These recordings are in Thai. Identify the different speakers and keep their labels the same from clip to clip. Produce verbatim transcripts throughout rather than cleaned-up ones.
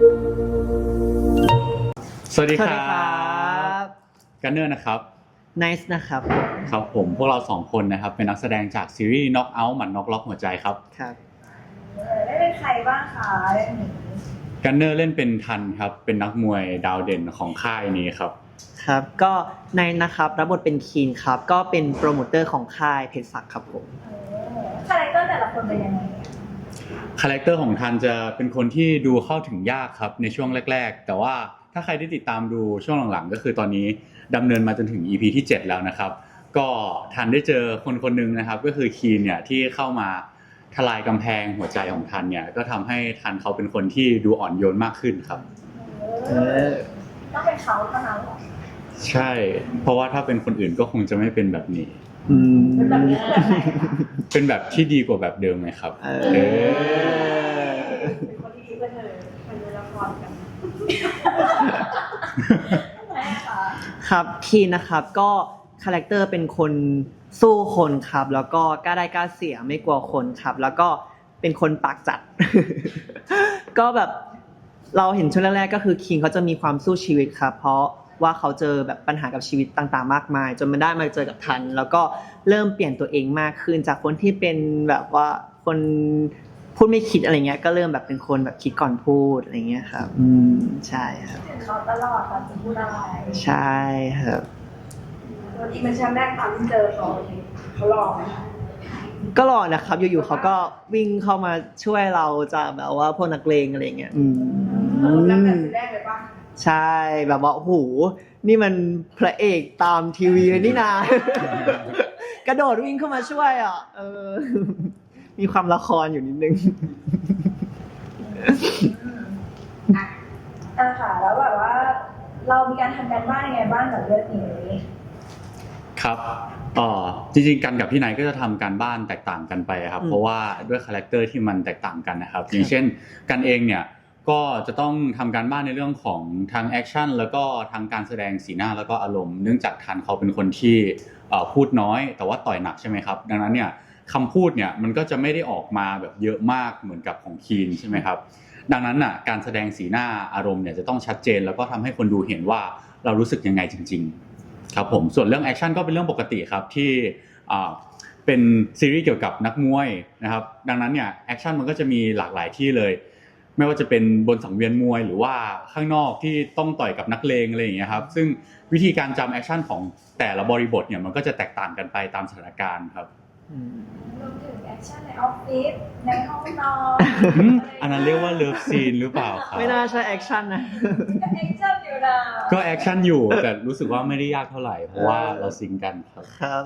Speaker 1: สวัสดีครั
Speaker 2: สวัสดีครับ
Speaker 1: กันเนอร์นะครับ
Speaker 2: Nice นะครับ
Speaker 1: ครับผมพวกเราสองคนนะครับเป็นนักแสดงจากซีรีส์ Knock Out หมัดน็อกล็อกหัวใจครับ
Speaker 2: ครับ
Speaker 3: ได้เป็นใครบ้างคะเรื่องนี้
Speaker 1: กันเนอร์เล่นเป็นทันครับเป็นนักมวยดาวเด่นของค่ายนี้ครับ
Speaker 2: ครับก็ในนะครับรับบทเป็นคีนครับก็เป็นโปรโมเตอร์ของค่ายเพชรศักดิ์ครับผม
Speaker 3: คาแรคเตอร์แต่ละคนเป็นยังไง
Speaker 1: คาแรคเตอร์ของทันจะเป็นคนที่ดูเข้าถึงยากครับในช่วงแรกๆแต่ว่าถ้าใครได้ติดตามดูช่วงหลังๆก็คือตอนนี้ดำเนินมาจนถึง อี พี ที่เจ็ดแล้วนะครับก็ทันได้เจอคนคนนึงนะครับก็คือคีนเนี่ยที่เข้ามาทลายกำแพงหัวใจของทันเนี่ยก็ทำให้ทันเขาเป็นคนที่ดูอ่อนโยนมากขึ้นครับ
Speaker 3: เออต้องเป็นเขาเท่านั้นหรอ
Speaker 1: ใช่เพราะว่าถ้าเป็นคนอื่นก็คงจะไม่เป็นแบบนี้
Speaker 3: เป็นแบบนี้แบบไหน
Speaker 1: เป็นแบบที่ดีกว่าแบบเดิมไหมครับเออ
Speaker 3: เป็นคนที่ดีกว่าเธอเป็นละครกัน
Speaker 2: ครับคีนนะครับก็คาแรคเตอร์เป็นคนสู้คนครับแล้วก็กล้าได้กล้าเสียไม่กลัวคนครับแล้วก็เป็นคนปากจัด ก็แบบเราเห็นช่วงแรกๆก็คือคิงเขาจะมีความสู้ชีวิตครับเพราะว่าเขาเจอแบบปัญหากับชีวิตต่างๆมากมายจนมาได้มาเจอกับทันแล้วก็เริ่มเปลี่ยนตัวเองมากขึ้นจากคนที่เป็นแบบว่าคนพูดไม่คิดอะไรเงี้ยก็เริ่มแบบเป็นคนแบบคิดก่อนพูดอะไรเงี้ยครับอืมใช่ครับ
Speaker 3: ถึงเขาตลอดตอนจะพูดอะไร
Speaker 2: ใช่ครับ
Speaker 3: วันอีเมชั่นแรกตอนที่เจอเขาเขาหล่อไหม
Speaker 2: ก็หล่อนะครับอยู่ๆเขาก็วิ่งเข้ามาช่วยเราจากแบบว่าพวกนักเลงอะไรเงี้ยอืม
Speaker 3: แล้วแบบแรกเลยป่ะ
Speaker 2: ใช่แบบว่าโอ้โหนี่มันพระเอกตามทีวีเลยนี่นากระโดดวิ่งเข้ามาช่วยอ่ะเออมีความละครอยู่นิดนึง
Speaker 3: อ่ะอ่ะค่ะแล้วแบบว่าเรามีการทำการบ้านยังไงบ้างกับเรื่องนี้
Speaker 1: ครับอ๋อจริงๆกันกับพี่นายก็จะทำการบ้านแตกต่างกันไปครับเพราะว่าด้วยคาแรคเตอร์ที่มันแตกต่างกันนะครับอย่างเช่นกันเองเนี่ยก็จะต้องทำการบ้านในเรื่องของทางแอคชั่นแล้วก็ทางการแสดงสีหน้าแล้วก็อารมณ์เนื่องจากทันเขาเป็นคนที่พูดน้อยแต่ว่าต่อยหนักใช่ไหมครับดังนั้นเนี่ยคำพูดเนี่ยมันก็จะไม่ได้ออกมาแบบเยอะมากเหมือนกับของคีนใช่ไหมครับดังนั้นน่ะการแสดงสีหน้าอารมณ์เนี่ยจะต้องชัดเจนแล้วก็ทำให้คนดูเห็นว่าเรารู้สึกยังไงจริงๆครับผมส่วนเรื่องแอคชั่นก็เป็นเรื่องปกติครับที่เป็นซีรีส์เกี่ยวกับนักมวยนะครับดังนั้นเนี่ยแอคชั่นมันก็จะมีหลากหลายที่เลยไม่ว่าจะเป็นบนสังเวียนมวยหรือว่าข้างนอกที่ต้องต่อยกับนักเลงอะไรอย่างเงี้ยครับซึ่งวิธีการจำแอคชั่นของแต่ละบริบทเนี่ยมันก็จะแตกต่างกันไปตามสถานการณ์ครับ
Speaker 3: รวมถึงแอคชั่นในออฟฟิศในห้องนอน
Speaker 1: อันนั้นเรียกว่าเลิฟซีนหรือเปล่าครับ
Speaker 2: ไม่น่าใช่แอคชั่นนะ
Speaker 3: ก็แอคชั่นอยู่นะ
Speaker 1: ก็แอคชั่นอยู่แต่รู้สึกว่าไม่ได้ยากเท่าไหร่เพราะว่าเราซิงกันครับ
Speaker 2: ครับ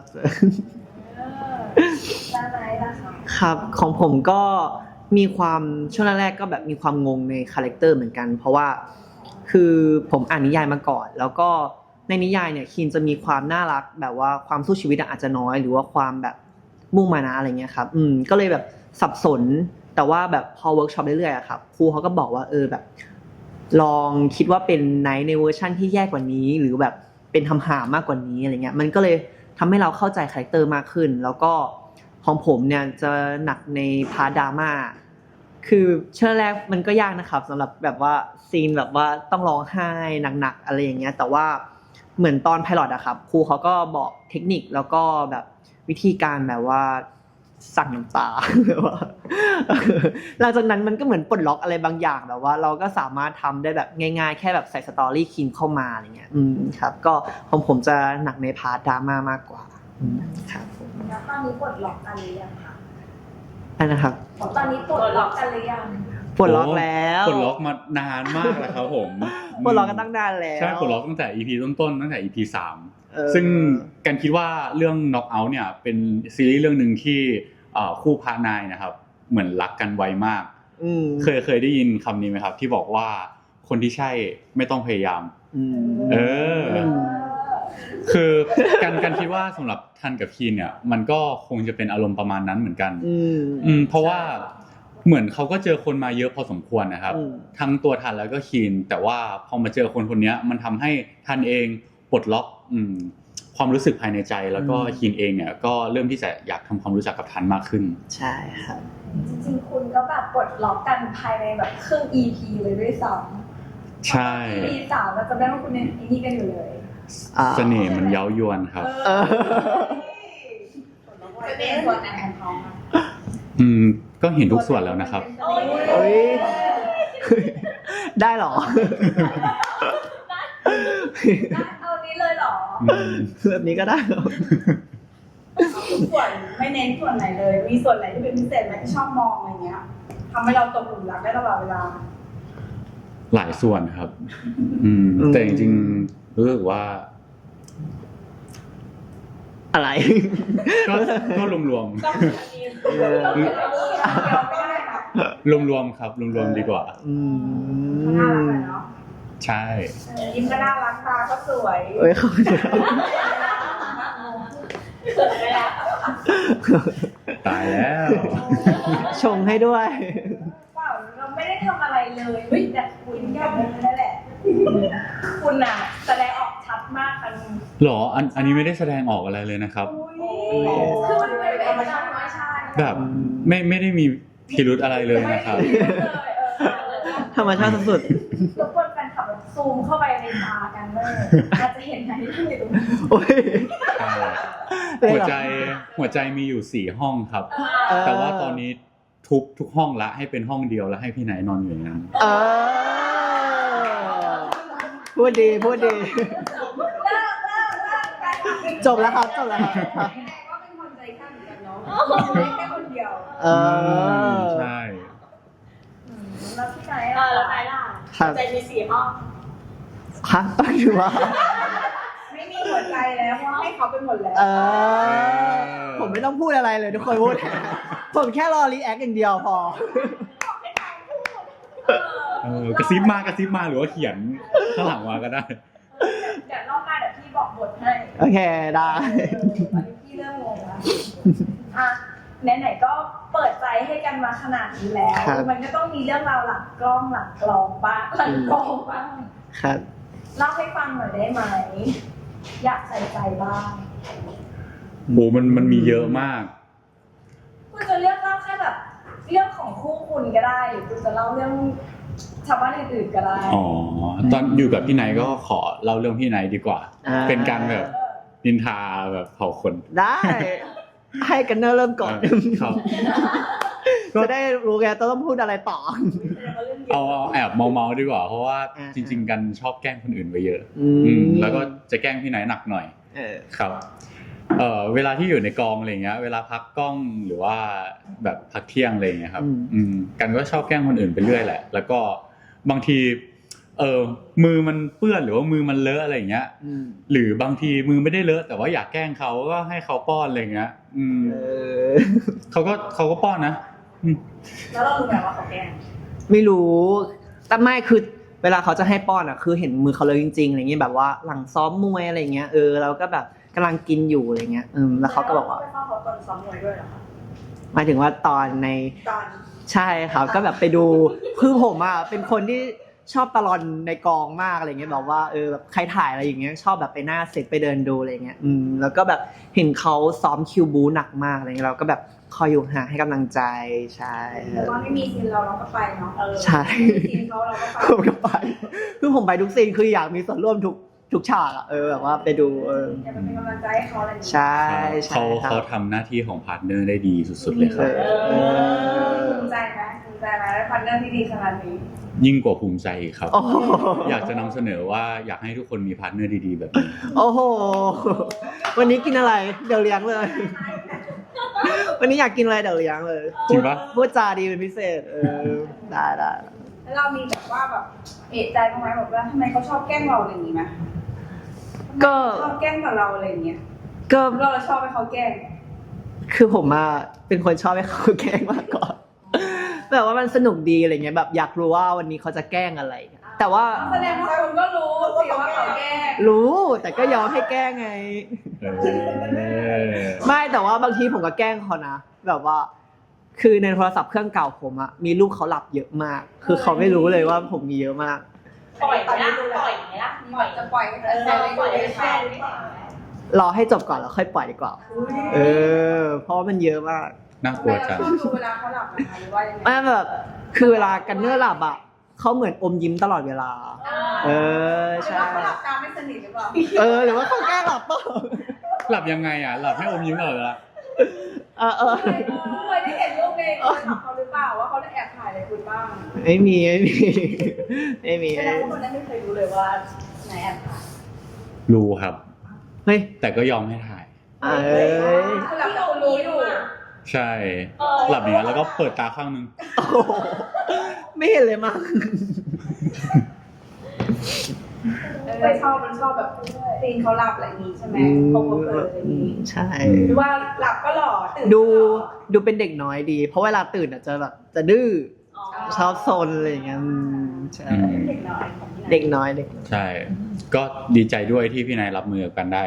Speaker 3: ด้านไหนล่ะคะ
Speaker 2: ครับของผมก็มีความช่วงแรกๆก็แบบมีความงงในคาแรคเตอร์เหมือนกันเพราะว่าคือผมอ่านนิยายมาก่อนแล้วก็ในนิยายเนี่ยคีนจะมีความน่ารักแบบว่าความสู้ชีวิตอาจจะน้อยหรือว่าความแบบมุ่งมานะอะไรเงี้ยครับอืมก็เลยแบบสับสนแต่ว่าแบบพอเวิร์กช็อปเรื่อยๆอะครับครูเขาก็บอกว่าเออแบบลองคิดว่าเป็นไนท์ในเวอร์ชั่นที่แย่กว่านี้หรือแบบเป็นทำหามากกว่านี้อะไรเงี้ยมันก็เลยทำให้เราเข้าใจคาแรคเตอร์มากขึ้นแล้วก็ของผมเนี่ยจะหนักในพาร์ทดราม่าคือเชื่อแรกมันก็ยากนะครับสำหรับแบบว่าซีนแบบว่าต้องร้องไห้หนักๆอะไรอย่างเงี้ยแต่ว่าเหมือนตอนไพลอตอะครับครูเขาก็บอกเทคนิคแล้วก็แบบวิธีการแบบว่าสั่งน้ำตาแบบว่าหลังจากนั้นมันก็เหมือนปลดล็อกอะไรบางอย่างแบบว่าเราก็สามารถทำได้แบบง่ายๆแค่แบบใส่สตอรี่คีนเข้ามาอะไรเงี้ยอืมครับก็ของผมจะหนักในพาร์ทดราม่ามากกว่าครับผม
Speaker 3: แล้วตอนนี้ปลดล็อกกันหรือยังคะ
Speaker 2: อันนะครับ
Speaker 3: ตอนนี้ปลดล็อกกันหรือยัง
Speaker 2: ปลดล็อกแล้ว
Speaker 1: ปลดล็อกมานานมากแล้วครับผม
Speaker 2: ปลดล็อกกันตั้งนานแล้ว
Speaker 1: ใช่ปลดล็อกตั้งแต่ อี พี ต้นๆตั้งแต่ อี พี สามซึ่งกันคิดว่าเรื่อง Knock Out เนี่ยเป็นซีรีส์เรื่องนึงที่คู่พระนายนะครับเหมือนรักกันไวมากเคยเคยได้ยินคำนี้ไหมครับที่บอกว่าคนที่ใช่ไม่ต้องพยายามเออคือกันกันคิดว่าสำหรับทันกับคีนเนี่ยมันก็คงจะเป็นอารมณ์ประมาณนั้นเหมือนกันอืมเพราะว่าเหมือนเขาก็เจอคนมาเยอะพอสมควรนะครับทั้งตัวทันแล้วก็คีนแต่ว่าพอมาเจอคนคนนี้มันทำให้ทันเองปลดล็อกอืมความรู้สึกภายในใจแล้วก็คินเองเนี่ยก็เริ่มที่จะอยากทำความรู้จักกับทันมากขึ้น
Speaker 2: ใช่ครับ
Speaker 3: จริงๆคุณก็แบบปลดล็อกกันภายในแบบครึ่ง อี พี เลยด้วยซ้ำ
Speaker 1: ใช่
Speaker 3: อี พี สามเราจะได้ว่าคุณยังนี่กันอยู่เลย
Speaker 1: เสน่ห์มันเย้ายวนครับ
Speaker 3: เสน่ห์ส่วนไหนของเขา
Speaker 1: อืมก็เห็นทุกส่วนแล้วนะครับ
Speaker 2: เฮ้ยได้หรอ
Speaker 3: เอานี้เลยหรอ
Speaker 2: แบบนี้ก็ได้หรอ
Speaker 3: ทุกส่วนไม่เน้นส่วนไหนเลยมีส่วนไหนที่เป็นพิเศษไหมที่ชอบมองอะไรเงี้ยทำให้เราตกหลุมรักได้ตลอดเวลา
Speaker 1: หลายส่วนครับอืมแต่จริงๆรู้สึกว่า
Speaker 2: อะไร
Speaker 1: ก็ก็รวมๆรวมๆครับรวมๆดีกว่า
Speaker 2: อืม
Speaker 3: น่ารักเนาะ
Speaker 1: ใช่
Speaker 3: ยิ้มก็น่ารักตาก็สวย
Speaker 2: เอ้ยเขา
Speaker 1: ตายแล้ว
Speaker 2: ชงให้ด้วย
Speaker 3: เปล่าเราไม่ได้ทำอะไรเลยเฮ้ยแต่คุณแค่นี้นั่นแหละคุณน่ะแสดงออกชัดมากอัน
Speaker 1: หรออันอันนี้ไม่ได้แสดงออกอะไรเลยนะครับ
Speaker 3: คือมันเป็นธรรมชาติไม่ใช่
Speaker 1: แบบไม่ไม่ได้มีพิรุธอะไรเลยนะครับ
Speaker 2: ธรรมชาติสุด
Speaker 3: ๆทุกคนแฟนคลับซูมเข้าไปในตากันเลยอาจจะเห็นอะไรที่อยู่ตรงนี้
Speaker 1: หัวใจหัวใจมีอยู่สี่ห้องครับแต่ว่าตอนนี้ทุบทุกห้องละให้เป็นห้องเดียวแล้วให้พี่ไหนนอนอยู่อย่างนั้น
Speaker 2: พูดดีพูดดีจบแล้วครับจบแล้วครับ
Speaker 3: ว่าเป็นคนใจกล้าเหมือนกันเนาะแค่คนเดียว
Speaker 2: เออ
Speaker 1: ใช่
Speaker 3: แล้วพี่ไหนอ่ะแล้วไหนล่ะใจมีสี่ห้อง
Speaker 2: ฮะตั้งอยู่ว่า
Speaker 3: ไม่มีหัวใจแล้วเพราะให้เขาไปหมดแล้ว
Speaker 2: ผมไม่ต้องพูดอะไรเลยทุกคนพูดผมแค่รอรีแอคอย่างเดียวพอ
Speaker 1: เออกระซิบมากระซิบมาหรือว่าเขียนข้างหลังมาก็ได้
Speaker 3: เดี๋ยวรอบหน้าเดี๋ยวพี่บอกบทให้
Speaker 2: โอเคได้
Speaker 3: ตอนนี้พี่เริ่มงงแล้วอ่ะไหนๆก็เปิดใจให้กันมาขนาดนี้แล้วมันก็ต้องมีเรื่องราวหลังกล้องหลังกลองบ้างหลังกลองบ้าง
Speaker 2: ครับ
Speaker 3: เล่าให้ฟังหน่อยได้ไหมอยากใส่ใจบ้าง
Speaker 1: โหมันมันมีเยอะมาก
Speaker 3: คุณจะเลือกเล่าแค่แบบเรื่องของคู่คุณก็ได้หรือคุณจะเล่าเรื่องชาวบ้านอื่นๆก็ได้
Speaker 1: อ๋อตอนอยู่กับพี่ไนท์ก็ขอเล่าเรื่องพี่ไนท์ดีกว่าเป็นการแบบนินทาแบบเผาคน
Speaker 2: ได้ให้กันเนอร์เริ่มก่อนครับจะได้รู้แกต้องพูดอะไรต่อ
Speaker 1: เอาแอบเมาๆดีกว่าเพราะว่าจริงๆกันชอบแกล้งคนอื่นไปเยอะแล้วก็จะแกล้งพี่ไนท์หนักหน่อยครับเอ่อเวลาที่อยู่ในกองอะไรเงี้ยเวลาพักกล้องหรือว่าแบบพักเที่ยงอะไรเงี้ยครับอืมกันก็ชอบแกล้งคนอื่นไปเรื่อยแหละแล้วก็บางทีเออมือมันเปื้อนหรือว่ามือมันเลอะอะไรอย่างเงี้ยหรือบางทีมือไม่ได้เลอะแต่ว่าอยากแกล้งเขาก็ให้เขาป้อนอะไรเงี้ยอืมเขาก็เขาก็ป้อนนะ
Speaker 3: แล้วเรารู้ไหมว่าเขาแกล้ง
Speaker 2: ไม่รู้แต่ไม่คือเวลาเขาจะให้ป้อนอ่ะคือเห็นมือเขาเลยจริงๆอะไรเงี้ยแบบว่าหลังซ้อมมวยอะไรเงี้ยเออเราก็แบบกำลังกินอยู่อะไรเงี้ยอืมแล้วเขาก็บอกว่า
Speaker 3: ไปเฝ้าเขาตอนซ้อมมวยด้วยเหรอคะ
Speaker 2: หมายถึงว่าตอนใน
Speaker 3: ตอน
Speaker 2: ใช่ครับก็แบบไปดูคือผมอ่ะเป็นคนที่ชอบตลอนในกองมากอะไรเงี้ยแบบว่าเออแบบใครถ่ายอะไรอย่างเงี้ยชอบแบบไปหน้าเซตไปเดินดูอะไรเงี้ยอืมแล้วก็แบบเห็นเขาซ้อมคิวบูหนักมากอะไรเงี้ยเราก็แบบคอยอยู่ห่างให้กำลังใจใช่
Speaker 3: แล้วก็ไม่มีซีนเราเราก็ไปเนาะเออ
Speaker 2: ใช่
Speaker 3: ซีนเขาเราก็ไป
Speaker 2: ผมก็ไปคือผมไปทุกซีนคืออยากมีส่วนร่วมทุกทุกฉากอ่ะเออแบบว่าไปดูเออ
Speaker 3: จะเป็นกำลังใจให้เขาอะไร
Speaker 2: ใช่
Speaker 1: เขาเขาทำหน้าที่ของพาร์ทเนอร์ได้ดีสุดๆเลยครับ
Speaker 3: ภูมิใจไหมภูมิใจไหมพาร์ทเนอร์ที่ดีขนาดนี้
Speaker 1: ยิ่งกว่าภูมิใจครับอยากจะนำเสนอว่าอยากให้ทุกคนมีพาร์ทเนอร์ดีๆแบบนี้
Speaker 2: โอ้โหวันนี้กินอะไรเดี๋ยวเลี้ยงเลยวันนี้อยากกินอะไรเดี๋ยวเลี้ยงเลย
Speaker 1: จริงปะ
Speaker 2: พูดจาดีเป็นพิเศษเออได้ได้
Speaker 3: แล้วเรามีแบบว่าแบบเอะใจบ้างไหมแบบว่าทำไมเขาชอบแกล้งเราอะไรอย่างนี้ไหมก็ชอบแกล้งกับเราอะไรอย่างเงี้ยก็เราชอบให้เขาแกล้ง
Speaker 2: คือผมอะเป็นคนชอบให้เขาแกล้งมากกว่าแบบว่ามันสนุกดีอะไรเงี้ยแบบอยากรู้ว่าวันนี้เขาจะแกล้งอะไรแต่ว่า
Speaker 3: แสดงว่าคุณก็รู้สิว่าเขาแกล้ง
Speaker 2: รู้แต่ก็ยอมให้แกล้งไงไม่แต่ว่าบางทีผมก็แกล้งเขานะแบบว่าคือในโทรศัพท์เครื่องเก่าผมอะมีรูปเขาหลับเยอะมากคือเขาไม่รู้เลยว่าผมมีเยอะมาก
Speaker 3: ปล่อยไหมล่ะปล่อยไหมล่ะปล่อยจะปล่อยเออปล่อยให้แฟน
Speaker 2: รอให้จบก่อนแล้วค่อยปล่อยดีกว่า เออ เพราะว่ามันเยอะมาก
Speaker 1: น่าก
Speaker 3: ทำ
Speaker 1: ลั
Speaker 3: ไม
Speaker 1: ว
Speaker 3: เรา
Speaker 1: จัง
Speaker 3: ชอบดูเวลาเขาหลับนะคะหรือว่ายังไง
Speaker 2: ไม่แบบคือเวลากันเนอร์หลับอ่ะเขาเหมือนอมยิ้มตลอดเวลา เออ
Speaker 3: หรือ
Speaker 2: ใช่
Speaker 3: ว่าเขาหลับตาไม่สนิทหรือเปล่า
Speaker 2: เออหรือว่าเขาแกล้งหลับเปล่า
Speaker 1: หลับยังไงอ่ะหลับให้อมยิ้มตลอดเวลา
Speaker 2: เออเออ
Speaker 3: เคยเคยได้เห็นรูปในโทรศัพท์เขาหรือเปล่าว่าเขาได้แอบถ่ายอะไรคุณบ้าง
Speaker 2: ไม่มีไม่มีไม่มี
Speaker 3: แสดงว่าคนนั้นไม่เคยรู้เลยว่าไหนแอบถ่าย
Speaker 1: รู้ครับ
Speaker 2: เฮ้ย
Speaker 1: แต่ก็ยอมให้ถ่าย
Speaker 2: เอ้ย
Speaker 3: คือหลับแต่คนรู้อยู่
Speaker 1: ใช่ หลับอย่างนั้นแล้วก็เปิดตาข้างนึง
Speaker 2: โอ้โหไม่เห็นเลยมั้ง
Speaker 3: ไม่ชอบมันชอบแบบตีนเขาหลับอะไรอย่างนี้ใช่ไหมเขาเผลออะไรอย่างนี้
Speaker 2: ใช่
Speaker 3: หรือว่าหลับก็หล่อตื่น
Speaker 2: ดู
Speaker 3: ก็หล่อ
Speaker 2: ดูเป็นเด็กน้อยดี เพราะเวลาตื่นอ่ะจะแบบจะดื้อชอบซนอะไรอย่างเงี้ยอืมใช่
Speaker 1: อืม
Speaker 3: เด็กน้อยของที่ไหน
Speaker 2: เด็กน้อยเด็กน้อย
Speaker 1: ใช่ ก็ดีใจด้วยที่พี่นายรับมือกับกันได้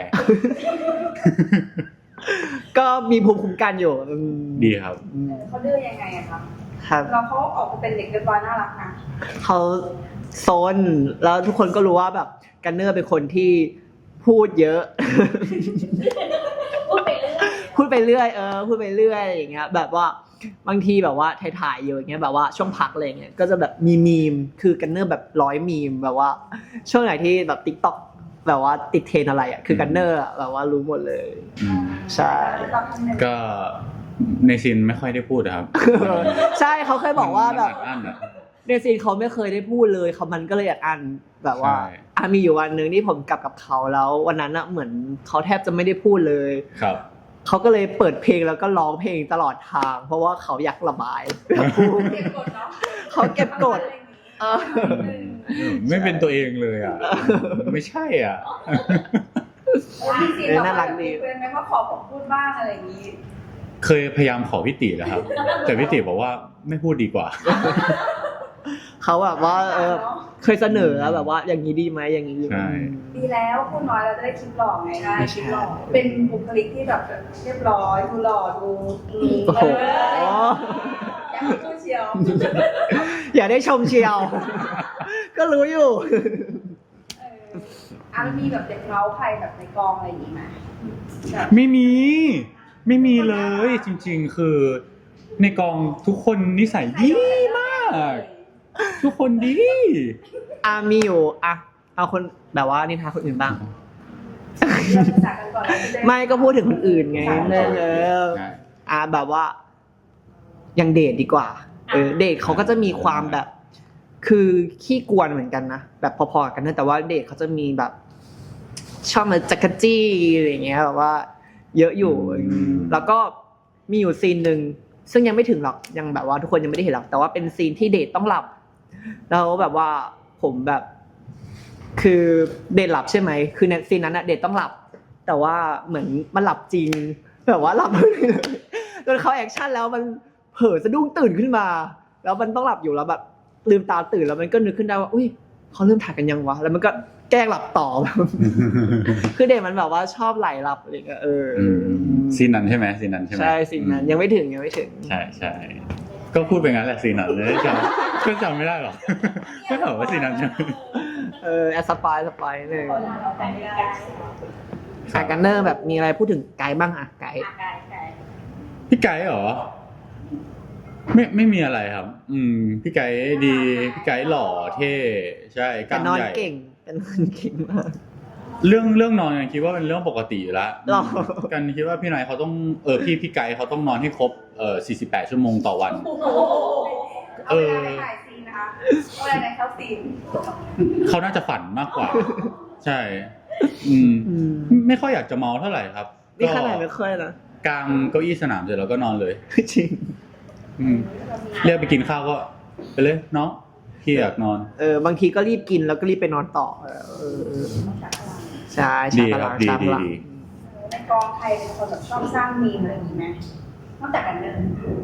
Speaker 2: ก็มีภูมิคุ้มกันอยู่อืม
Speaker 1: ดีครับ
Speaker 2: อืม
Speaker 3: เออเขาดื้อยังไงอะครับ
Speaker 2: ครับ
Speaker 3: เราเขาออกมาเป็นเด็กเรียบร้อยน่ารักนะ
Speaker 2: เขาโซนแล้วทุกคนก็รู้ว่าแบบกันเนอร์เป็นคนที่พูดเยอะ
Speaker 3: พูดไปเรื่อย
Speaker 2: พูดไปเรื่อยเออพูดไปเรื่อยอย่างเงี้ยแบบว่าบางทีแบบว่าถ่ายๆอยู่อย่างเงี้ยแบบว่าช่วงพักอะไรเงี้ยก็จะแบบมีมีมคือกันเนอร์แบบร้อยมีมแบบว่าช่วงไหนที่แบบติ๊กต็อกแบบว่าติดเทรนอะไรอ่ะคือกันเนอร์อะแบบว่ารู้หมดเลย
Speaker 1: อืม
Speaker 2: ใช่
Speaker 3: เราทำหนึ่ง
Speaker 1: ก็ในซีนไม่ค่อยได้พูดนะครับ
Speaker 2: ใช่เขาเคยบอกว่าแบบ
Speaker 1: มันอัดอั้นอะ
Speaker 2: ในซีนเขาไม่เคยได้พูดเลยเขามันก็เลยอยากอ่านแบบว่า
Speaker 1: ใช่
Speaker 2: อ่ะมีอยู่วันหนึ่งที่ผมกลับกับเขาแล้ววันนั้นอะเหมือนเขาแทบจะไม่ได้พูดเลย
Speaker 1: ครับ
Speaker 2: เขาก็เลยเปิดเพลงแล้วก็ร้องเพลงตลอดทาง เพราะว่าเขาอยากระบายอยากพูด
Speaker 3: เก็บกดเนาะ
Speaker 2: เขาเก็บกด เออ
Speaker 1: ไม่เป็นตัวเองเลยอ่ะ ไม่ใช่อ่ะ
Speaker 3: เออมีซีน
Speaker 2: เออ
Speaker 3: แบบ
Speaker 2: น่ารั
Speaker 3: ว่าก
Speaker 2: ดี
Speaker 3: เพื่อนไหมว่าขอผมพูดบ้างอะไรอย่างนี้
Speaker 1: เคยพยายามขอพี่ติแล้วครับ แต่พี่ติบอกว่าไม่พูดดีกว่า
Speaker 2: เขาแบบว่าเออเคยเสนอแล้วแบบว่า อย่างนี้ดีไหมอย่างนี้ดีไหม
Speaker 1: ใช่
Speaker 3: ดีแล้วพูดน้อยเราจะได้คลิปหล่อไงได้
Speaker 2: ไม่
Speaker 3: ค
Speaker 2: ใช่
Speaker 3: ลิปหล่อเป็นบุคลิกที่แบบเรียบร้อยดูหล่อดูดู
Speaker 2: โอ้โห
Speaker 3: เอออยากให้พูดเชียว
Speaker 2: อย่าได้ชมเชียว ก็รู้อยู่
Speaker 3: เอออ่ะมันมีแบบเด็กเมาส์ใครแบบในกองอะไรอย่างนี้ไหมแบบ
Speaker 1: ไม่มี ไม่มีเลยจริง ๆ คือ ในกองทุกคนนิสัยดีมาก ทุกคนดี
Speaker 2: อ่ะมีอยู่อ่ะเอาคนแบบว่านินทาคนอื่นบ้าง
Speaker 3: เราจะจากกันก่อนแล้วจะด้
Speaker 2: ไม่ก็พูดถึงคนอื่นไงเออเออ
Speaker 1: ใช่
Speaker 2: อ่ะแบบว่ายังเดทดีกว่า เออเดทเขาก็จะมีความแบบ คือขี้กวนเหมือนกันนะแบบพอๆกันนะแต่ว่าเดทเขาจะมีแบบ ชอบมาจักรจี้อะไรอย่างเงี้ยแบบว่า เยอะอยู่
Speaker 1: อืม
Speaker 2: แล้วก็มีอยู่ซีนหนึ่งซึ่งยังไม่ถึงหรอกยังแบบว่าทุกคนยังไม่ได้เห็นหรอกแต่ว่าเป็นซีนที่เดทต้องหลับ แล้วแบบว่าผมแบบ คือเดทหลับใช่ไหมคือในซีนนั้นอะเดทต้องหลับ แต่ว่าเหมือนมันหลับจริงแบบว่าหลับเลยจนเขาแอคชั่นแล้วมันเผลอสะดุ้งตื่นขึ้นมา แล้วมันต้องหลับอยู่แล้วแบบลืมตาตื่นแล้วมันก็นึกขึ้นได้ว่าอุ้ยเขาเริ่มถ่ายกันยังวะแล้วมันก็แกล้งหลับต่อ คือเด็กมันแบบว่าชอบไหลหลับอะไรเงี้ยเอออ
Speaker 1: ซีนนั้นใช่ไหมซีนนั้นใช่ไหม
Speaker 2: ใช่สิ่งนั้นยังไม่ถึงยังไม่ถึง
Speaker 1: ใช่ใช่ก็พูดไปงั้นแหละซีนนั้นเลยจำก็จำไม่ได้หรอกก็ถามว่าซีนนั้นใช่ไหม
Speaker 2: เออแอดสปายสปายเลย
Speaker 3: คนเราแต่งไม่ได้
Speaker 2: สายกันเนอร์แบบมีอะไรพูดถึงไกด์บ้างอะไกด์
Speaker 3: อ่ะไกลไกล
Speaker 1: พี่ไก่เหรอ ไม่ไม่มีอะไรครับ อืม พี่ไก่ดีพี่ไก่หล่อเท่ใช่ก
Speaker 2: แต่
Speaker 1: ล้าม
Speaker 2: นอน
Speaker 1: ใหญ่
Speaker 2: เก่งแต่นอนเก่งมาก
Speaker 1: เรื่องเรื่องนอนกันคิดว่าเป็นเรื่องปกติอยู่แล้ว
Speaker 2: หรอ
Speaker 1: กันคิดว่าพี่นายเขาต้องเออพี่พี่ไก่เขาต้องนอนให้ครบเออสี่สิบแปดชั่วโมงต่อวัน
Speaker 3: โอ้โหเอาเวลาไปถ่ายซีนนะคะเอาเวลาในเข้าซีน
Speaker 1: เขาน่าจะฝันมากกว่า ใช่ อืม
Speaker 2: อืม
Speaker 1: ไม่ค่อยอยากจะเมาเท่าไหร่ครับ
Speaker 2: นี่ขนาดไม่ค่อยนะ
Speaker 1: กางเก้าอี้สนามเสร็จแล้วก็นอนเลย
Speaker 2: จริง
Speaker 1: อืมเรียกไปกินข้าวก็ไปเลยน้องพี่อยากนอน
Speaker 2: เออบางทีก็รีบกินแล้วก็รีบไปนอนต่อเออเออเออใช่ชาร์จพลัง
Speaker 1: ดี
Speaker 2: ชาร์จพลัง
Speaker 1: ดีดี
Speaker 3: ในกองไทยเป็นคนแบบชอบสร้างมีมอะไรอย่างนี้ไหมนอกจากกันเนอร์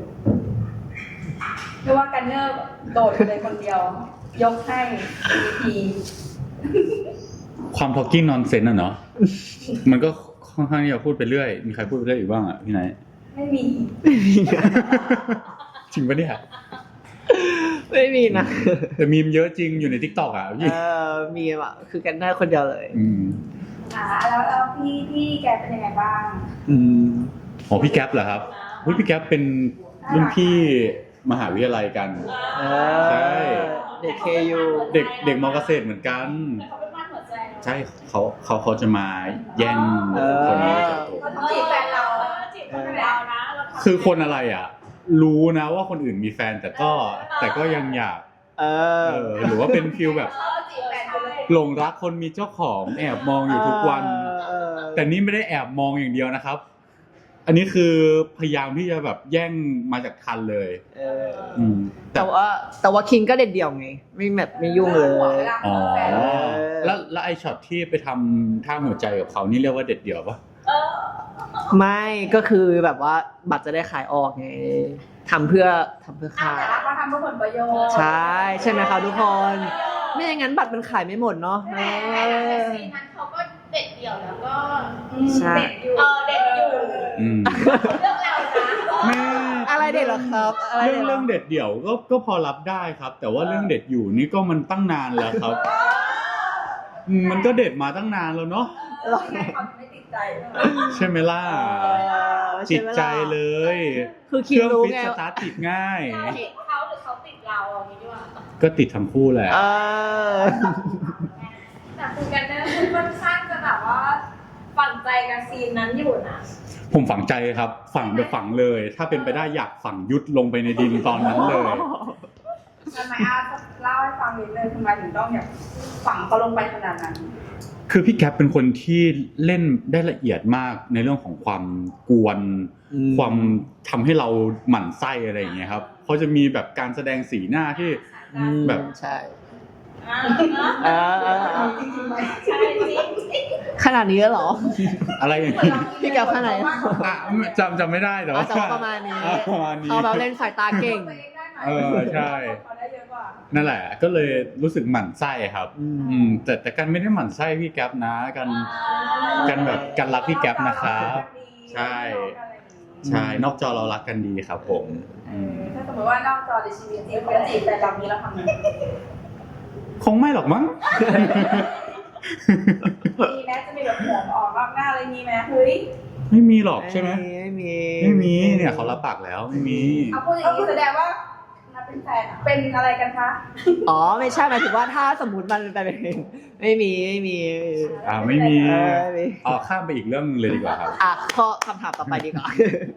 Speaker 3: หรือว่ากันเนอร์โดดเลยคนเดียว ยกให้ที
Speaker 1: ความ talking nonsense อ่ะเนาะ มันก็ค่อนข้างที่จะพูดไปเรื่อย มีใครพูดไปเรื่อยอีกบ้างอ่ะพี่ไหนท์
Speaker 3: ไม่มี
Speaker 1: จริงปะเนี่ย
Speaker 2: ไม่มีนะ
Speaker 1: แต่มีมเยอะจริงอยู่ใน TikTok อ่ะพี่
Speaker 2: เออมีอ่ะคือกันได้คนเดียวเลย
Speaker 1: อืม
Speaker 3: อ่าแล้วแล้วพี่พี่แกเป็นยังไงบ้าง
Speaker 2: อืม
Speaker 1: อ๋อพี่แก๊ปเหรอครับอุ๊ยพี่แก๊ปเป็นรุ่นพี่มหาวิทยาลัยกัน
Speaker 2: เอ
Speaker 1: ใช่
Speaker 2: อเด็กเคยู
Speaker 1: เด็กเด็กมอเกษตรเหมือนกัน
Speaker 3: แต่เขาเป็นบ้านหัวใจเนอะ
Speaker 1: ใช่เขาเขาเขาจะมาแย่งคนนี้จากผม
Speaker 3: เขาจีบแฟนเราจีบแฟนเรานะเราทำ
Speaker 1: คือคนอะไรอ่ะ รู้นะว่าคนอื่นมีแฟนแต่ก็แต่ก็ยังอยาก
Speaker 2: เออ
Speaker 1: เออหรือว่าเป็นฟิลแบบ
Speaker 3: เขาจีบแฟนไปเลย
Speaker 1: หลงรักคนมีเจ้าของแอบมองอยู่ทุกวัน
Speaker 2: เออ
Speaker 1: แต่นี่ไม่ได้แอบมองอย่างเดียวนะครับ อันนี้คือพยายามที่จะแบบแย่งมาจากทันเลย
Speaker 2: เออ
Speaker 1: อืมแต่
Speaker 2: แต่ว่าแต่ว่าคิงก็เด็ดเดี่ยวไง ไม่แบบไม่ยุ่งเลย
Speaker 1: อ๋อ
Speaker 2: เออ
Speaker 1: แล้วแล้วไอช็อตที่ไปทำท่าหัวใจกับเขานี่เรียกว่าเด็ดเดี่ยวปะ
Speaker 3: เออ
Speaker 2: ไม่ก็คือแบบว่าบัตรจะได้ขายออกไงทำเพื่อทำเพื่อ
Speaker 3: อ่ะ
Speaker 2: ขาย
Speaker 3: แต่ละเขาทำเพื่อผลประโยชน์
Speaker 2: ใช่ใช่ไหมคะทุกคน ไม่อย่างนั้นบัตรมันขายไม่หมดเนาะเอ
Speaker 4: แต่
Speaker 2: อ
Speaker 4: ซีนนั้นเขาก็เด็ดเดี่ยวแล้วก็
Speaker 3: อืม
Speaker 2: ใช่
Speaker 3: เด็ดอยู่
Speaker 4: เออเด็ดอยู่
Speaker 1: อืม
Speaker 4: เรื่องเรานะ
Speaker 1: แม่
Speaker 2: อะไรเด็ดเหรอครับอะไร
Speaker 1: เรื่อง
Speaker 2: ห
Speaker 1: เรื่องเด็ดเดี่ยวก็ก็พอรับได้ครับ แต่ว่าเรื่องเด็ดอยู่นี่ก็มันตั้งนานแล้วครับอืมมันก็เด็ดมาตั้งนานแล้วเนาะ
Speaker 3: เออไม่เขาไม่ติดใจใช่ไหม
Speaker 1: ใช่ไหมล่ะ
Speaker 2: เออ
Speaker 1: จิ
Speaker 2: ช่
Speaker 1: ต
Speaker 2: ไหมล่ะ
Speaker 1: ใจเลย
Speaker 2: คือ
Speaker 1: เค
Speaker 2: คิง
Speaker 1: รื่อง
Speaker 2: รู้
Speaker 1: ฟิต
Speaker 2: ไง
Speaker 1: สตาร์ทติดง่าย
Speaker 4: เราติดเขาหรือเขาติดเราอย่างนี้ดีกว่า
Speaker 1: ก็ติดทั้งคู่แหละ
Speaker 2: เออ
Speaker 3: แต่คุณกันเนอร์ค่อนข้างจะแบบว่าฝังใจกับซีนนั้นอยู่นะ
Speaker 1: ผมฝังใจครับ ฝังไปฝังเลย ถ้าเป็นไปได้อยากฝังยุดลงไปในดินตอนนั้นเลย
Speaker 3: ทำไมอาเล่าให้ฟังนิดนึงทำไมถึงต้องแบบฝังเขาลงไปขนาดนั้น
Speaker 1: คือพี่แก๊ปเป็นคนที่เล่นได้ละเอียดมากในเรื่องของความกวน
Speaker 2: อืม
Speaker 1: ความทำให้เราหมั่นไส้อะไรอย่างเงี้ยครับเขาจะมีแบบการแสดงสีหน้าที่
Speaker 2: อืม
Speaker 1: แบบ
Speaker 2: ใช่
Speaker 3: อ่า
Speaker 2: เออเออเออ
Speaker 3: จริงๆไหม
Speaker 4: ใช่จริง
Speaker 2: ขนาดนี้แล้วเหรอ
Speaker 1: อะไรอย่างนี้
Speaker 2: พี่แก๊ปขนาดไหน
Speaker 1: อ่ะจำจำไม่ได้แต่ว่า
Speaker 2: อ่ะแต่ว่าประมาณนี้
Speaker 1: อ่ะประมาณนี้
Speaker 2: เขาแบบเล่นสายตาเก่ง
Speaker 1: เออใช่
Speaker 3: เขาได้เยอะกว่า
Speaker 1: นั่นแหละ ก็เลยรู้สึกหมั่นไส้ครับ
Speaker 2: อืม
Speaker 1: อืมแต่แต่กันไม่ได้หมั่นไส้พี่แก๊ปนะกันกันแบบกันรักพี่แก๊ปนะครับ ใช่ ใช่นอกจอเรารักกันดีครับผม
Speaker 3: เออถ้าสมมติว่านอกจอในชีวิตจริงเขาจะจีบแต่เรานี้เราทำไง
Speaker 1: คงไม่หรอกมั้ง
Speaker 3: มีแม้จะมีแบบหัวออกนอกหน้าอะไรมีไหมเฮ้ย
Speaker 1: ไม่มีหรอกใช่ไหม
Speaker 2: ไม่มี
Speaker 1: ไม่มีเนี่ยเขารับปากแล้วไม่มี
Speaker 3: เอาพูดอย่างนี้แสดงว่านับเป็นแฟนอะเป็นอะไรกันคะ
Speaker 2: อ๋อไม่ใช่หมายถึงว่าถ้าสมมติมันไปเป็นไม่มีไม่มี
Speaker 1: อ่าไม่มี
Speaker 2: เออไม่มี
Speaker 1: อ๋อข้ามไปอีกเรื่องนึงเลยดีกว่าครับ
Speaker 2: อ่ะข้อคำถามต่อไปดีกว่า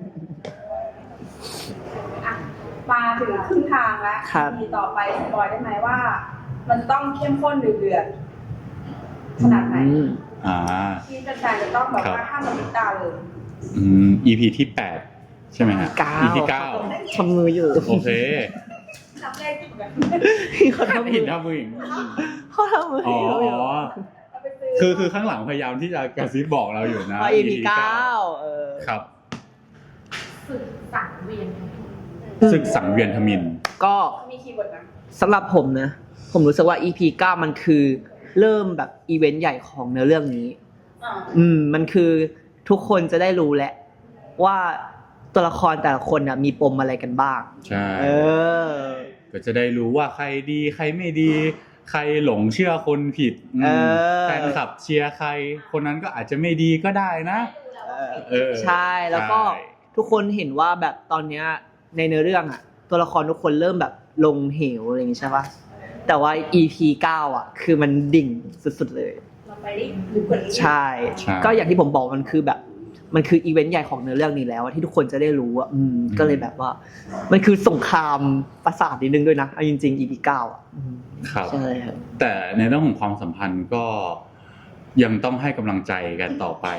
Speaker 3: อ่ะมาถึงครึ่งทางแล้ว
Speaker 2: ครับ
Speaker 3: มีต่อไปสปอยได้ไหมว่า มันจะต้องเข้มข้นเดือดๆขนาดไหน
Speaker 2: อืม
Speaker 1: อ่า
Speaker 3: ที่แฟนๆจะต้องแบบว่าห้ามมันติดตาเลย
Speaker 1: อืม อี พี ที่แปดใช่ไหมฮะ
Speaker 2: เก้า
Speaker 1: อี พี เก้า
Speaker 2: ทำมืออยู่
Speaker 1: โอเค
Speaker 3: นับเลขถูกไหม
Speaker 2: เขาทำมื
Speaker 1: เห็
Speaker 2: อน
Speaker 1: ท่ามืออย่าง
Speaker 2: เขาทำมือ
Speaker 1: อ๋อ
Speaker 2: อยู่
Speaker 3: เอาไปซื้อ
Speaker 1: คือคือข้างหลังพยายามที่จะกระซิบบอกเราอยู่นะ
Speaker 2: อ๋อ อี พี เก้าเออ
Speaker 1: ครับ
Speaker 4: สึกสังเวียน
Speaker 1: ศึกสังเวียนทมิฬ
Speaker 2: ก็
Speaker 3: มีคีย์เวิร์ดนะ
Speaker 2: สำหรับผมนะ ผมรู้สึกว่า อี พี เก้ามันคือเริ่มแบบอีเวนต์ใหญ่ของเนื้อเรื่องนี้
Speaker 3: อ่า
Speaker 2: อืมมันคือทุกคนจะได้รู้แหละว่าตัวละครแต่ละคนน่ะมีปมอะไรกันบ้าง
Speaker 1: ใช่
Speaker 2: เออ
Speaker 1: ก็จะได้รู้ว่าใครดีใครไม่ดี ใครหลงเชื่อคนผิดอืม
Speaker 2: เออ
Speaker 1: แฟนคลับเชียร์ใคร คนนั้นก็อาจจะไม่ดีก็ได้นะ เออ
Speaker 2: ใช่แล้วก็
Speaker 1: ใช่
Speaker 2: ทุกคนเห็นว่าแบบตอนเนี้ยในเนื้อเรื่องอ่ะ ตัวละครทุกคนเริ่มแบบลงเหวอะไรอย่างงี้ใช่ปะแต่ว่า อี พี เก้าอ่ะ คือมันดิ่งสุดๆเลย
Speaker 3: เราไปได้ลึกกว่านี้
Speaker 2: ใช่
Speaker 1: ใช่
Speaker 2: ก็อย่างที่ผมบอกมันคือแบบ มันคืออีเวนต์ใหญ่ของเนื้อเรื่องนี้แล้วอะที่ทุกคนจะได้รู้อ่ะอืมก็เลยแบบว่า มันคือสงครามประสาทนิดนึงด้วยนะเอาจริงๆ อี พี เก้าอ่ะอืม
Speaker 1: ครับ
Speaker 2: ใช่ครับ
Speaker 1: แต่ในเรื่องของความสัมพันธ์ก็ยังต้องให้กำลังใจกันต่อไป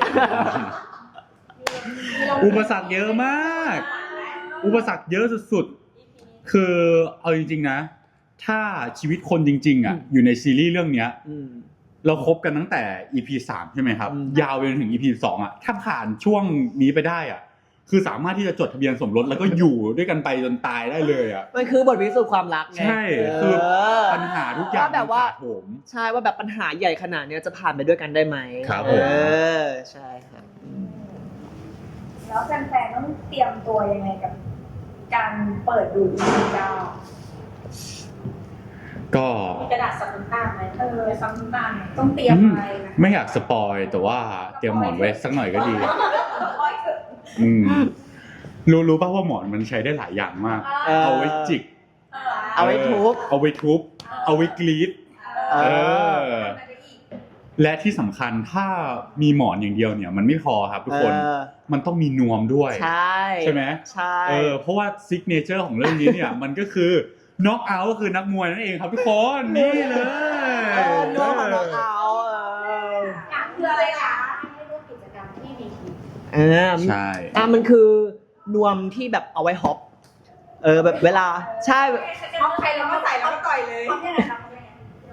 Speaker 1: อุปสรรคเยอะมาก อุปสรรคเยอะสุดๆ คือเอาจริงๆนะ ถ้าชีวิตคนจริงๆอ่ะ
Speaker 2: อืม
Speaker 1: อยู่ในซีรีส์เรื่องเนี้ย
Speaker 2: อืม
Speaker 1: เราคบกันตั้งแต่ อี พี สามใช่ไหมครับ
Speaker 2: อืม
Speaker 1: ยาวไปจนถึง อี พี สองอ่ะ ถ้าผ่านช่วงนี้ไปได้อ่ะ คือสามารถที่จะจดทะเบียนสมรสแล้วก็อยู่ด้วยกันไปจนตายได้เลยอ่ะ
Speaker 2: มันคือบทพิสูจน์ความรักไง
Speaker 1: ใช่ คือ
Speaker 2: เออ
Speaker 1: ปัญหาทุกอย่าง
Speaker 2: ว่าแบบว่า
Speaker 1: มันถาโถม
Speaker 2: ใช่ว่าแบบปัญหาใหญ่ขนาดเนี้ยจะผ่านไปด้วยกันได้ไหม
Speaker 1: ครับ
Speaker 2: เอ
Speaker 1: ผม
Speaker 2: อใช่ครับอืม
Speaker 3: แล้วแฟนๆต้องเตรียมตัวยังไงกับการเปิดดู อี พี เก้า
Speaker 1: ก็
Speaker 4: มีกระดาษสับน้ำตาลไหม
Speaker 3: เออซ้ำตาลต้องเตรียมอะไรนะ
Speaker 1: ไม่อยากสปอยแต่ว่าเตรียมหมอนไว้สักหน่อยก็ดี
Speaker 3: ร้อยเกิด
Speaker 1: อืมรู้รู้ป่ะว่าหมอนมันใช้ได้หลายอย่างมาก
Speaker 2: เออ
Speaker 1: เอาไว้จิก
Speaker 2: เอาไว้ทุบ
Speaker 1: เอาไว้ทุบ เอาไว้กรีด
Speaker 2: เอ
Speaker 1: เอ
Speaker 2: อ
Speaker 1: อ และที่สำคัญถ้ามีหมอนอย่างเดียวเนี่ย มันไม่พอครับทุกคน
Speaker 2: เออ
Speaker 1: มันต้องมีนวมด้วย
Speaker 2: ใช่
Speaker 1: ใช่ไหม
Speaker 2: ใช่
Speaker 1: เออเพราะว่าซิกเนเจอร์ของเรื่องนี้เนี่ย มันก็คือน็อกเอาท์ก็คือนักมวยนั่นเองครับทุกคนนี่เลย
Speaker 2: เออนวมกับน้องเอาเออ
Speaker 4: อยากคืออะไรคะให้ร่วมกิจกรรมที่มีทีม
Speaker 2: เออ
Speaker 1: ใช่
Speaker 2: อ่ะมันคือนวมที่แบบเอาไว้ฮอปเออแบบเวลาใช่
Speaker 3: เอาใครเราก็ใส่แล้วก็ต่อยเลยทำยังไงทำยังไง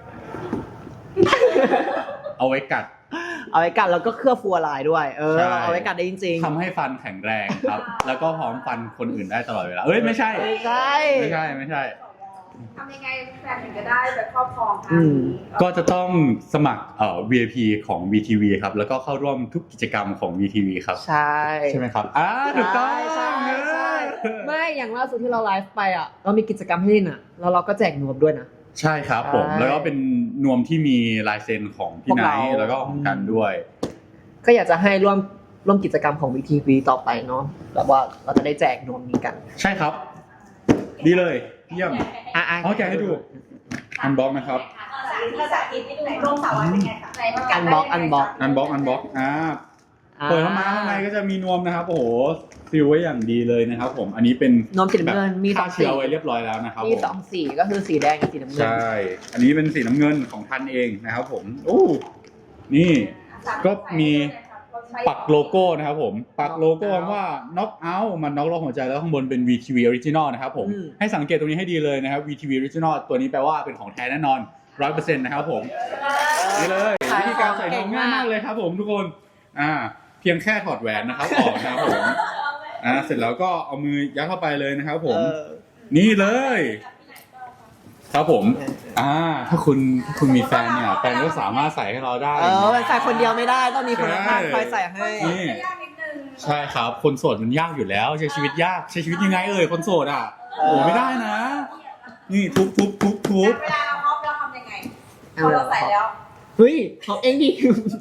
Speaker 1: เอาไว้กัด
Speaker 2: เอาไว้กัดแล้วก็เคลือบฟัวลายด้วย เออ
Speaker 1: ใช่
Speaker 2: เอาไว้กัดได้จริงๆ
Speaker 1: ทำให้ฟันแข็งแรงครับ แล้วก็พร้อมฟันคนอื่นได้ตลอดเวลาเอ้ยไม่ใช่
Speaker 2: ไม่ใช่
Speaker 1: ไม่ใช่ไม่ใช่
Speaker 3: ทำยังไงแฟนถึงจะได้แบบครอบครอง
Speaker 2: อืม
Speaker 1: ก็จะต้องสมัครเอ่อ วี ไอ พี ของ วี ที วี ครับ แล้วก็เข้าร่วมทุกกิจกรรมของ วี ที วี ครับ
Speaker 2: ใช่
Speaker 1: ใช่ไหมครับอ่าถูกต้อง
Speaker 2: ใช่ใช่ใช่
Speaker 1: เออ
Speaker 2: ไม่อย่างล่าสุดที่เราไลฟ์ไปอ่ะเรามีกิจกรรมให้เล่นอ่ะแล้วเราก็แจกนวมด้วยนะ
Speaker 1: ใช่ครับผม
Speaker 2: ใช่
Speaker 1: แล้วก็เป็นนวมที่มีลายเซ็นของพี่
Speaker 2: พวก
Speaker 1: ไน
Speaker 2: เรา
Speaker 1: ท์แล้วก็ของกันด้วย
Speaker 2: ก็อยากจะให้ร่วมร่วมกิจกรรมของ วี ที วี ต่อไปเนาะแบบว่าเราจะได้แจกนวมนี้กัน
Speaker 1: ใช่ครับ ดีเลยเยี่ยม
Speaker 2: อ่ะ
Speaker 1: เอาแกะให้ดู อันบ็อกนะครับ
Speaker 3: ภาษาอังกฤษให้ดูไหนร่มสาวเป็นไงคะ
Speaker 4: ไหนมา
Speaker 2: อันบ็อกอันบ็อก
Speaker 1: อันบ็อกอันบ็อกอ่า เปิดเข้ามาข้างในก็จะมีนวมนะครับ โอ้โหซีลไว้อย่างดีเลยนะครับ ผม อันนี้เป็น
Speaker 2: นวมสีน้ำเงินมีส
Speaker 1: ฆ่า
Speaker 2: องสี
Speaker 1: เชื้อไว้เรียบร้อยแล้วนะครับ
Speaker 2: มี
Speaker 1: ผม
Speaker 2: สองสีก็คือสีแดงกับสีน้ำเงิน
Speaker 1: ใช่ อันนี้เป็นสีน้ำเงินของทันเองนะครับผมโอ้นี่ ก็มีปักโลโก้นะครับผม ปักโลโก้ว่า knock out มัน knock ลงหัวใจแล้วข้างบนเป็น วี ที วี Original นะครับผม
Speaker 2: อืม
Speaker 1: ให้สังเกตตรงนี้ให้ดีเลยนะครับ วี ที วี Original ตัวนี้แปลว่าเป็นของแท้แน่นอน ร้อยเปอร์เซ็นต์ นะครับผม นี่เลยวิธีการใส่นวมง่ายมากเลยครับผมทุกคน อ่า เพียงแค่ถอดแหวนนะครับออกนะครับผม อ่า เสร็จแล้วก็เอามือยัดเข้าไปเลยนะครับผม
Speaker 2: เออ
Speaker 1: นี่เลย ครับผม อ่า ถ้าคุณถ้าคุณมีแฟนเนี่ย แฟนก็สามารถใส่ให้เราได้
Speaker 2: เออมันใส่คนเดียวไม่ได้ต้องมีคนข้างๆคอยใส่ให้
Speaker 1: นี่
Speaker 3: ยากนิดนึง
Speaker 1: ใช่ครับ คนโสดมันยากอยู่แล้ว ใช้ชีวิตยาก ใช้ชีวิตยังไงเอ่ย คนโสดอ่ะ โอ้ไม่ได้นะ นี่ทุบทุบทุบทุบ
Speaker 3: เวลาเราฮอปเราทำยังไงพอเราใส่แล้ว
Speaker 2: เฮ้ยของเองดิ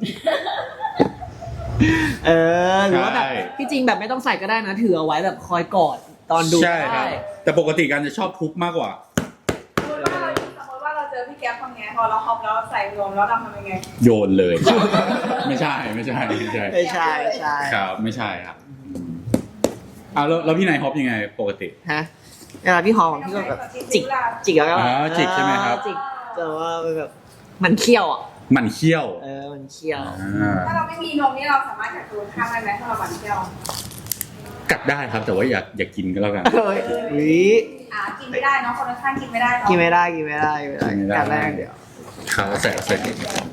Speaker 2: เออหรือว่าแบบ
Speaker 1: ใช่
Speaker 2: ที่จริงแบบไม่ต้องใส่ก็ได้นะถือเอาไว้แบบคอยกอดตอนดู
Speaker 1: ใช่ครับ
Speaker 2: ได้
Speaker 1: แต่ปกติการจะชอบทุบมากกว่า
Speaker 3: สมมติว่าเราสมมติว่าเราเจอพี่แก๊ปทำไงพอเราฮอปแล้วใส่รวมแล้วเราทำยังไง
Speaker 1: โยนเลย ไม่ใช่ไม่ใช่ไม่ใช่
Speaker 2: ไม่ใช่ใช่
Speaker 1: ครับไม่ใช่ครับอ่าแล้วแล้วพี่นายฮอปยังไงปกติ
Speaker 2: ฮะเวลาพี่หอมพี่ก็แบบจิกจิกแล้วก็แบบ
Speaker 1: อ่าจิกใช่ไหมครับ
Speaker 2: จิกแต่ว่าแบบมันเคี้ยวอ่ะ
Speaker 1: หมันเคี้ยว
Speaker 2: เออมันเคี้ยว
Speaker 1: อ่า
Speaker 3: ถ้าเราไม่มีนมนี่เราสามารถกัดตัวข้ามได้ไหมถ้าเราหวานเที่ยว
Speaker 1: กัดได้ครับแต่ว่าอย่าอย่ากินก็แล้วกัน
Speaker 2: เฮ้ยวิ
Speaker 3: อ่ากินไม่ได้เนาะคนละข้างกินไม่ได้เนาะ
Speaker 2: กินไม่ได้กินไม่ได้กินไม่ได้
Speaker 1: กินไม่ได้
Speaker 2: การแรกเดี๋ยว
Speaker 1: ครับใส่ใส่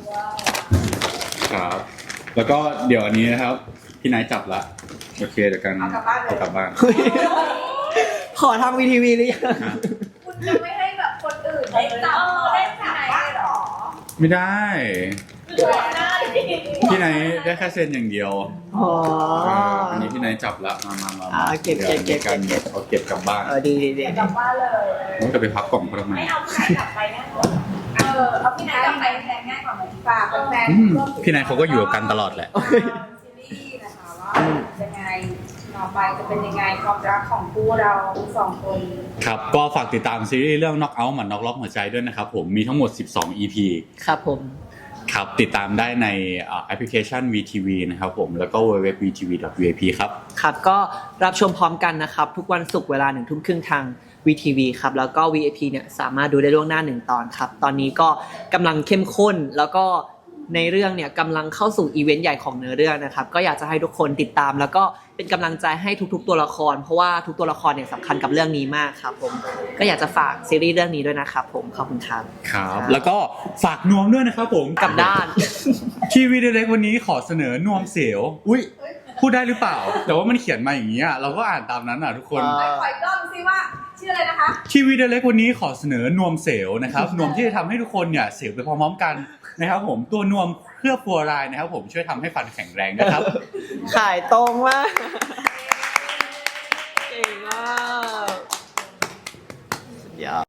Speaker 1: ครับ แล้วก็เดี๋ยวอันนี้นะครับพี่นายจับละโอเคเดี๋ยวกันเอากลับบ้าน
Speaker 2: ขอทำวีทีวีหรือยัง
Speaker 1: อ่ะ
Speaker 3: คุณจะไม่ให้แบบคนอื่นได้จับได้จับบ้างหรอ
Speaker 1: ไม่ได้
Speaker 3: หัวหน้าดิ
Speaker 1: พี่นายได้แค่เซ็นอย่างเดียว
Speaker 2: อ๋อ
Speaker 1: เอออันนี้พี่นายจับละมามามา
Speaker 2: อ่าเก็บเก็บเก็บ
Speaker 1: ดี๋ยวมีาร
Speaker 2: เก็บ
Speaker 1: เอาเก็บกลับบ้าน
Speaker 2: เออดีดีดี
Speaker 3: กลับบ้านเลย
Speaker 1: ผมจะไปพักกล่องเขาทำไม
Speaker 3: ไม่เอาพี่ไหนกลับไปง่ายกว่าเออเอาพี่ไหนกลับไปแทนง่ายกว่าไหมฝากแฟน
Speaker 1: อืมพี่นายเขาก็อยู่กับกันตลอดแหละ
Speaker 3: ซีรีส์นะคะว่ายังไงต่อไปจะเป็นยังไงความรักของคู่เราสองคน
Speaker 1: ครับก็ฝากติดตามซีรีส์เรื่อง knock out หมัน knock ล็อกหัวใจด้วยนะครับผมมีทั้งหมดสิบสอง อี พี
Speaker 2: ครับผม
Speaker 1: ครับติดตามได้ในแอปพลิเคชัน วี ที วี นะครับผมแล้วก็ ดับเบิลยู ดับเบิลยู ดับเบิลยู ดอท วี ที วี ดอท วี ไอ พี ครับ
Speaker 2: ครับก็รับชมพร้อมกันนะครับ ทุกวันศุกร์เวลาหนึ่งทุ่มครึ่งทาง วี ที วี ครับแล้วก็ วี ไอ พี เนี่ยสามารถดูได้ล่วงหน้าหนึ่งตอนครับ ตอนนี้ก็กำลังเข้มข้นแล้วก็ในเรื่องเนี่ยกำลังเข้าสู่อีเวนต์ใหญ่ของเนื้อเรื่องนะครับก็อยากจะให้ทุกคนติดตาม แล้วก็เป็นกำลังใจให้ทุกๆตัวละคร เพราะว่าทุกตัวละครเนี่ยสำคัญกับเรื่องนี้มากครับผมก็อยากจะฝากซีรีส์เรื่องนี้ด้วยนะครับผมขอบคุณครับ
Speaker 1: ครับแล้วก็ฝากนวมด้วยนะครับผม
Speaker 2: กลับด้าน
Speaker 1: ทีวีเด็กวันนี้ขอเสนอนวมเสียวอุ้ยพูดได้หรือเปล่า แต่ว่ามันเขียนมาอย่างนี้อ่ะเราก็อ่านตามนั้นอ่ะทุกคน
Speaker 2: อ่า
Speaker 3: ไปขออีกรอบสิว่าชื่ออะไรนะคะ
Speaker 1: ทีวีเด็กวันนี้ขอเสนอนวมเสียวนะครับนวมที่จะทำให้ทุกคนเนี่ยเสียวไปพร้อมๆกันนะครับผมตัวนวมเคลือบฟัวรายนะครับผมช่วยทำให้ฟันแข็งแรงนะครับ
Speaker 2: ขายตรงมากเก่งมากสุดยอด